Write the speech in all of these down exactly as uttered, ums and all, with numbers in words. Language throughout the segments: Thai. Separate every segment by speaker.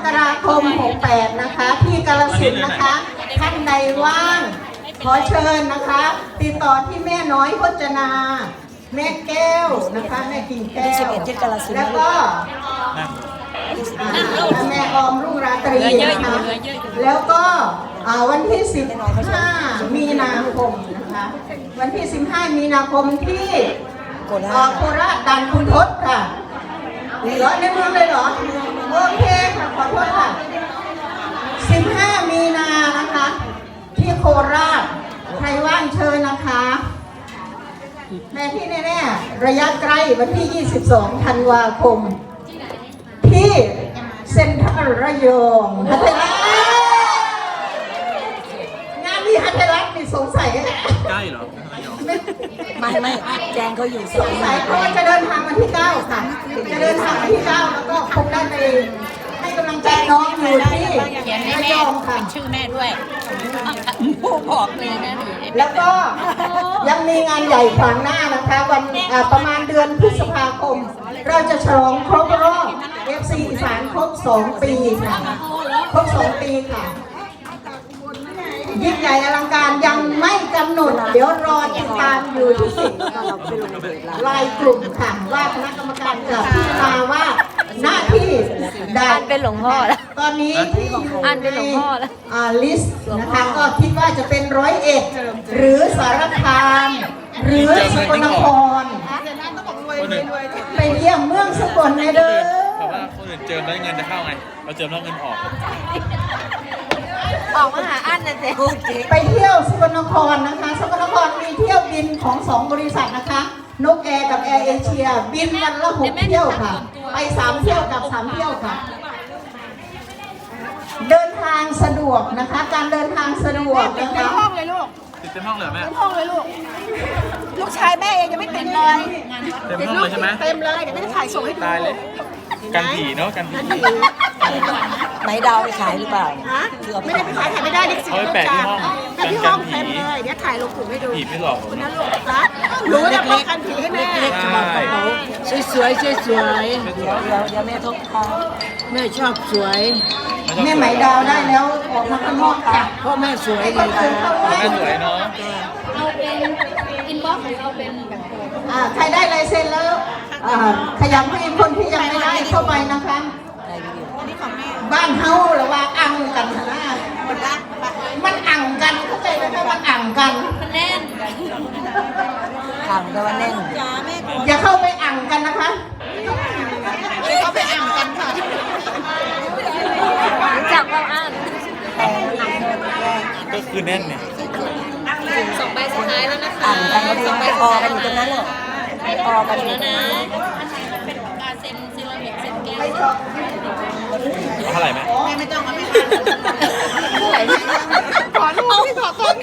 Speaker 1: กราคมหกแปดนะคะที่กาฬสินธุ์นะคะท่านใดว่างขอเชิญนะคะติดต่อที่แม่น้อยพจนาแม่แก้วนะคะแม่กิ่งแก้วแล้วก็แม่ออมรุ่งราตรีนะคะแล้วก็วันที่สิบห้ามีนาคมนะคะวันที่สิบห้ามีนาคมที่โคราชด่านคุณทศค่ะเหรอในเมืองเลยเหรอโอเคค่ะขอโทษค่ะสิบห้ามีนานะคะที่โคราชใครว่างเชิญนะคะแม่ที่แน่ๆระยะใกล้วันที่ยี่สิบสองธันวาคมที่เซ็นทรัลระยองฮัทเทลัสงานนี้ฮัทเทลัสมีสงสัย
Speaker 2: ใกล้เหรอ
Speaker 3: ไม่ไม่แจงเขาอยู่
Speaker 1: สงสัยเพราะว่าจะเดินทางวันที่เก้าค่ะจะเดินทางวันที่เก้าแล้วก็คงได้ไปให้กำลังใจน้องอยู่ที่ระยองค่ะ
Speaker 4: ชื่อแม่ด้วยผู้บอกเลยนะ
Speaker 1: แล้วก็ยังมีงานใหญ่ขวางหน้านะคะวันประมาณเดือนพฤษภาคมเราจะฉลองครบรอบ เอฟ ซี อีสานครบสองปีค่ะครบสองปีค่ะยิ่งใหญ่อลังการยังไม่กำหนดเดี๋ยวรอติดตามอยู่ที่รายกลุ่มค่ะว่าคณะกรรมการจะพิจารณาว่าหน้าที่
Speaker 3: ด่านเป็นหลวงพ่อแล้ว
Speaker 1: ตอนนี้ที่อยู่
Speaker 3: อ่านเป็นหลวงพ่อแล้ว
Speaker 1: ลิสต์นะคะก็คิดว่าจะเป็นร้อยเอ็ดหรือสารคามหรือสกลนครไปเยี่ยมเมืองสกลในเด้อ
Speaker 2: เพราะว่าคนอื่นเจิมแล้วเงินจะเข้าไงเราเจิมแล้วเงินออก
Speaker 3: ออกมาหาอันนะเจ๊
Speaker 1: ไปเที่ยวสกลนครนะคะสกลนครมีเที่ยวบินของสองบริษัทนะคะนกแอร์กับแอร์เอเชียบินวันละหกเที่ยวค่ะไปสามเที่ยวกับสามเที่ยวค่ะเดินทางสะดวกนะคะการเดินทางสะดวกนะคะ
Speaker 4: ติดเต็มห้องเลยลูก
Speaker 2: ติดเต็มห้องเลยแม่
Speaker 4: เต็มห้องเลยลูกลูกชายแม่เองยังไม่ติดเลย
Speaker 2: เต็มห้องเลยใช่ไหม
Speaker 4: เต็มเลยเดี๋ยวไม่ได้ถ่ายส่งให้ดู
Speaker 2: ตายเลยกันผีเนาะกันผี
Speaker 3: ไหนดาวไปขายหรือเปล่า
Speaker 4: ไม่ได้ไปขายถ่ายไม่ได้ดิ
Speaker 2: เขาไปแปะที่ห้อง
Speaker 4: แปะที่ห้องเต็มเลยเดี๋ยวถ่ายลงกลุ่มให้ดู
Speaker 2: ผีไม่หลอก
Speaker 4: คุณนั่นลูกนะรู้ว่าป้องกันผีให้แม่
Speaker 3: สวยสวยสวยสวยเดี๋ยวเดี๋ยวแม่ทบทองแม่ชอบสวย
Speaker 1: แม่ไหมดาวได้แล้วออกมาข้างนอกค่ะ
Speaker 3: เพราะแม่สวยดี
Speaker 2: ค่ะแม่สวยเนาะ
Speaker 4: เอาเป็นอินบ็อกซ์หรือเอาเป็นแบบ
Speaker 1: อ่าใครได้ลายเซ็นแล้วขยับให้คนที่ยังไม่ได้เข้าไปนะคะบ้านเฮาหรือว่าอังกันนะมันอังกันเข้าใจไหมคะมันอังกัน
Speaker 4: มันแน่น
Speaker 3: อังแต่ว่าแน่น
Speaker 1: อย่าเข้าไปอังกันนะคะ
Speaker 4: อย่าเข้าไปอังกันค่ะ
Speaker 3: จับเราอัง
Speaker 2: ก็คือแน่นเนี่ย
Speaker 4: สองใบสุดท้ายแล้วนะคะ
Speaker 3: อังกันสองใบพอกันอยู่ตรงนั้นน่ะพอกัน
Speaker 4: แล้วนะเป็นการเซ็นเซรามิกเซ็นแก้ว
Speaker 2: เท่าไหร่ไหม
Speaker 4: แม่ไม่ต้องมาไม่ทันขอลูกที่ขอต้น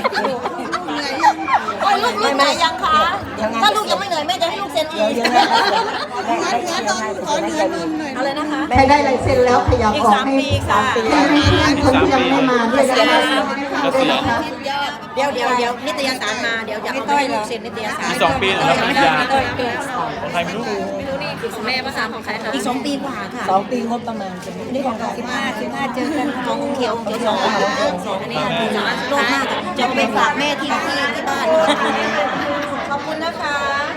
Speaker 4: โอ้ยลูกลูกเหนื่อยยังคะถ้าลูกยังไม่เหนื่อยแม่จะให้ลูกเซ็นอีกงั้นต้องขอเหนื่อยหน่อยอะไรนะคะ
Speaker 1: ใครได้ลายเซ็นแล้วขยับออกให้สามปีให้คนที่ยังไม่มาด้วยนะคะ
Speaker 4: เดี๋ยวเดี๋ยวเดี๋ยวนิตยสารมาเดี๋ยวจะเอาให้ลูกเซ็นนิตยสาร
Speaker 2: สองปีแล้วปริญญาของใครไม่รู้
Speaker 4: ไม่รู้นี่คือของแม่ภาษาของใครคะ
Speaker 3: อีกสองปีกว่าค่ะสองปีงบประมาณนี่ของสิบห้าสิบห้าเจอกัน
Speaker 4: ของเขียวเขียวสองสองอันนี้สามโลกมากจะไปฝากแม่ที่ที่ที่บ้านขอบคุณนะคะ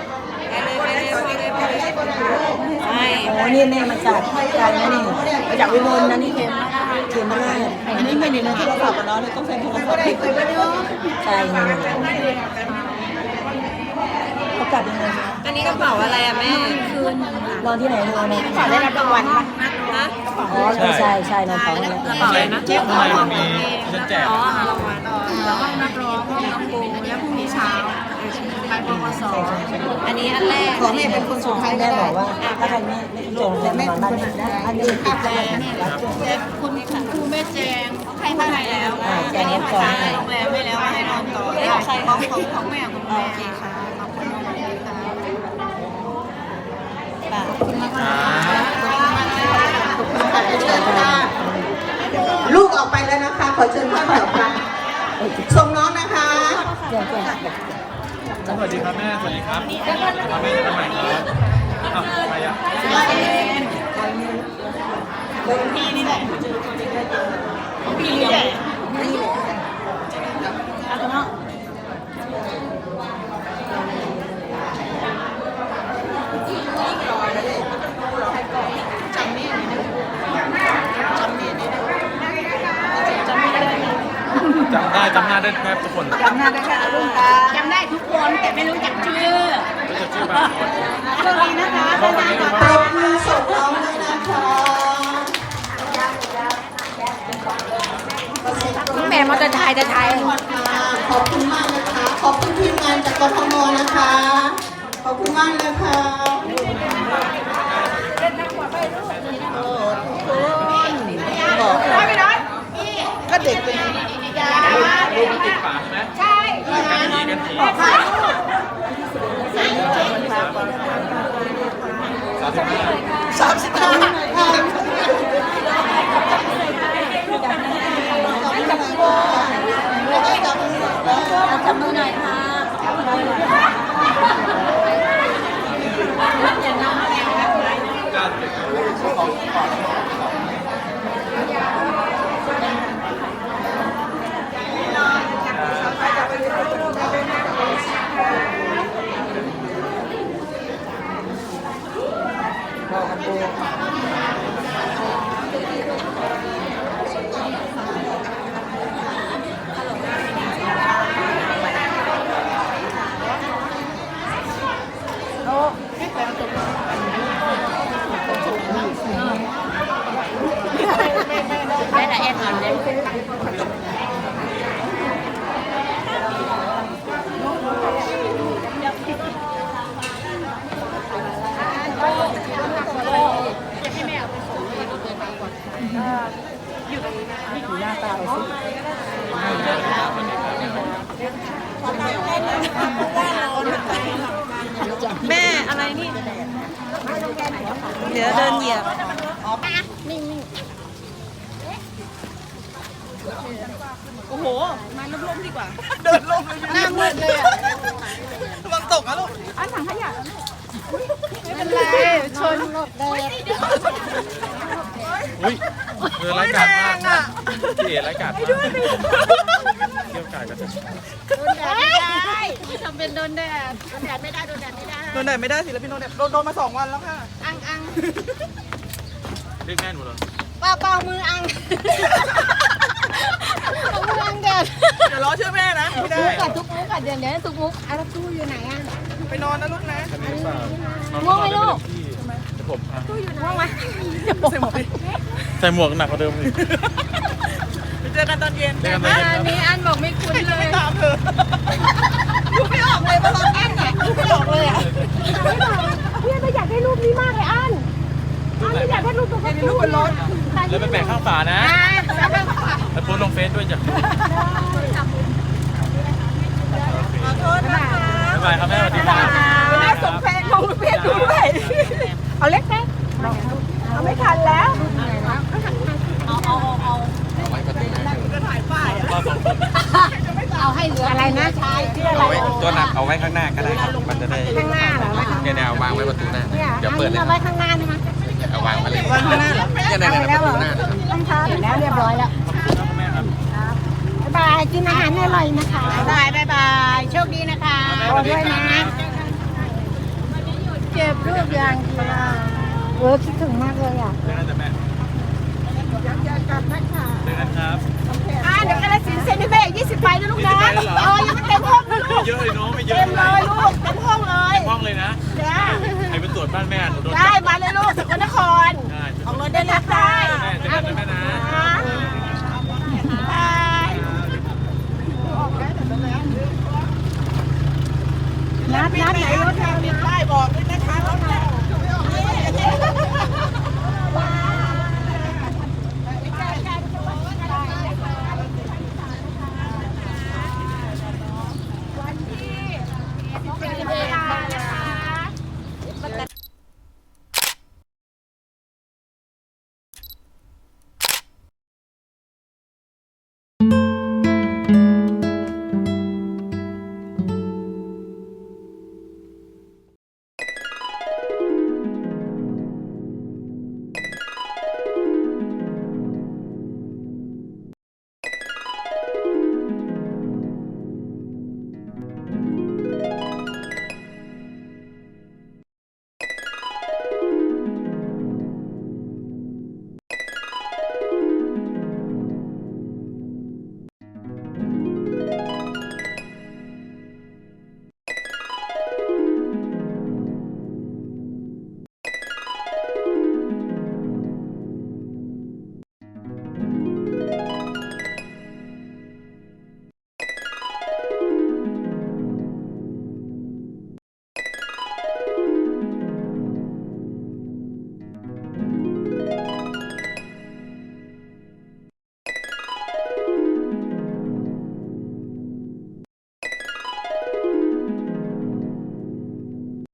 Speaker 3: ใช่โอ้นี่แม่มาจากการนั่นนี่มาจากวิมลนะนี่เค็มเค็มมาก
Speaker 4: อันนี้ไม่ได้นะที่เราฝากกับน้องเลยต้องเซ็นโทรศัพท์
Speaker 3: ใช่เขากลับยังไง
Speaker 4: อันนี้กระเป๋าอะไรอะแม่คืน
Speaker 3: นอนที่ไหนนอนใน
Speaker 4: กระเป๋าได้รับรางวัลปะฮะ
Speaker 3: อ๋อใช่ใช่นอนเขา
Speaker 4: กระเป๋าอะไรนะ
Speaker 2: เจ๊ทำไมมีฉันแจก
Speaker 4: อ๋อรางวัลแล้วห้องนักร้องห้องน้ำปูแล้วพรุ่งนี้เช้าไปปวสอันนี้อันแรก
Speaker 3: ขอแม่เป็นคนสุดท้ายแม่บอกว่าถ้าใครไม่ไม่จงแต่แม่นอนบ้านนะอันนี้ติดแม่
Speaker 4: คุณครูแม่แจงใครมาไหนแล้ว
Speaker 3: แจงเอ็มก่อน
Speaker 4: โรงแรมไม่แล้วให้นอนต่อของใครของของของแม่คุณแม่ค่ะขอบคุณมากเลยค่ะขอบคุณมาก
Speaker 1: ค่ะลูกออกไปแล้วนะคะขอเชิญท่านแถวค่ะส่งน้องนะคะ
Speaker 2: สวัสดีครับแม่สวัสดีครับแม่ทำไมครับใครอ่ะ
Speaker 3: พี่นี่แหละพี่นี่แหละนี่แหละเอาเนาะจำได้
Speaker 2: จำได้จำหน้าได้แทบทุกคน
Speaker 3: จำหน้าได้ค่ะลุงตาจำได้ทุกคนแต่ไม่รู้จักชื่อ
Speaker 2: รู้จักชื่อบางคน
Speaker 3: โชคดีนะคะ
Speaker 2: เพราะวันนี้
Speaker 1: ปรบมือส่งน้องด้วยนะคะ
Speaker 3: แม่มอเตอร์ไซค์จะไทย
Speaker 1: ขอบคุณมากนะคะ ขอบคุณทีมงานจากกทมนะคะ ขอบคุณมากเลยค่ะ
Speaker 3: ก็เด็กเป็น
Speaker 2: รูปมันติดฝาใช่ไหมใช่กันทีกันทีสามสิบห้า
Speaker 3: สามสิบห้า จับมือหน่อยค่ะจับมือหน่อยได้แต่แอนนอนเลยแม่อะไรนี่ เดี๋ยวเดินเหยียบโอ้โห มาล่มๆดีกว่า เดินล่มเลยหน้ามืดเลยอ่ะระวังตกนะลูกอันถังขยะไม่เป็นไรชนหลบแดด
Speaker 2: อุ้ยเรือไร้กาดมากพี่เอ๋ไร้กาดมากเกี่ยวกาดกันจะ
Speaker 3: โดนแดดไม่ได้ทำเป็นโดนแดดโดนแดดไม่ได้โดนแดดไม่ได้โดนแดดไม่ได้ศิลปินโดนแดดโดนโดนมาสองวันแล้วค่ะอังอัง
Speaker 2: เรียกแม่หนูเหรอ
Speaker 3: เปล่าเปล่ามืออังเอามืออังแดดเดี๋ยวรอชื่อแม่นะไม่ได้ทุกกัดทุกมุกกัดเดี๋ยวเดี๋ยวทุกมุกอ่ะแล้วตู้อยู่ไหนอ่ะไปนอนนะลูกนะ
Speaker 2: อันนี้เปล่า
Speaker 3: ง่วงไหมลูก
Speaker 2: จะผมพา
Speaker 3: ง่วงไหมใส่หมวก
Speaker 2: ใส่หมวกหนักกว่าเดิมอีก
Speaker 3: ไปเจอกันตอนเย็น
Speaker 2: เจอกันตอนเย็นครับ
Speaker 3: อันนี้อันบอกไม่คุ้นเลยตามเธอดูไม่ออกเลยว่าเราอันไหนดูไม่ออกเลยอ่ะ
Speaker 5: พี่ไม่อยากได้รูปนี้มากเลยอันอันไม่อยากได้รูปตัวการ์ตูน
Speaker 3: รูปบนรถ
Speaker 2: แล้วไปแปะข้างฝานะ
Speaker 3: แล้วก็ขอ
Speaker 2: แล้วโพสต์ลงเฟซด้วยจ้ะ
Speaker 3: โทษนะคะ
Speaker 2: บ๊ายบายครับแม่สวัสดีครับ
Speaker 3: แม่ส่งเพลงลงเพจด้วยเอาเล็กไหมเอาไม่ทันแล้วเอาเอาเอา
Speaker 2: เอาไว้ประตูหน้า
Speaker 3: จะถ่ายป้ายอ่ะ
Speaker 2: เราสองคน
Speaker 3: เอาให้เหลืออะไรนะชายชื่ออะไร
Speaker 6: เอาไว้ตัวหนักเอาไว้ข้างหน้าก็ได้ครับมันจะได้
Speaker 3: ข้างหน้าเหรอ
Speaker 6: เนี่ยเนี่ยเอาวางไว้ประตูหน้า เดี๋ยวเปิดเลย
Speaker 3: เอา
Speaker 6: ค
Speaker 3: ไว้
Speaker 6: รับ
Speaker 3: ข้างหน้าใช่ไหม
Speaker 6: เอาวางไว้เลย
Speaker 3: วางข้างหน้าเหรอ
Speaker 6: เนี่ยเนี่ยเนี่ยประตูหน้านะครับ
Speaker 3: ต้องทานเสร็จแล้วเรียบร้อยแล้ว
Speaker 2: แม่ครับ
Speaker 3: บ๊ายบายกินอาหารอร่อยนะคะบ๊ายบายบ๊ายบายโชคดีนะคะ
Speaker 2: สวัสดีครับ
Speaker 3: เก็บรูปอย่างเดียวเออคิดถึงมากเลยอ่ะ
Speaker 2: เจอกันจ้ะแม่
Speaker 3: ยังจะกลับนะคะ
Speaker 2: เจอกันครับ
Speaker 3: อ่าเดี๋ยวกระสินเซนิเบกยี่สิบใบนะลูกนะ
Speaker 2: ยี่สิบใบเลยเหรอ
Speaker 3: เออยังไม่เต็มห้องเลยลูก
Speaker 2: เยอะเลยเนาะไม่เยอะ
Speaker 3: เต็มเลยลูกเต็มห้องเลย
Speaker 2: ห้องเลยนะ
Speaker 3: เดี๋ยว
Speaker 2: ใครไปตรวจบ้านแม่หนูโดน
Speaker 3: ได้
Speaker 2: จับ
Speaker 3: มาเลยลูกสกลนคร
Speaker 2: ได้
Speaker 3: ออกรถได้เลยค่ะ
Speaker 2: แม่เจอกันนะแม่นะ
Speaker 3: บายนัดนัดไหนรถเราได้บอกด้วย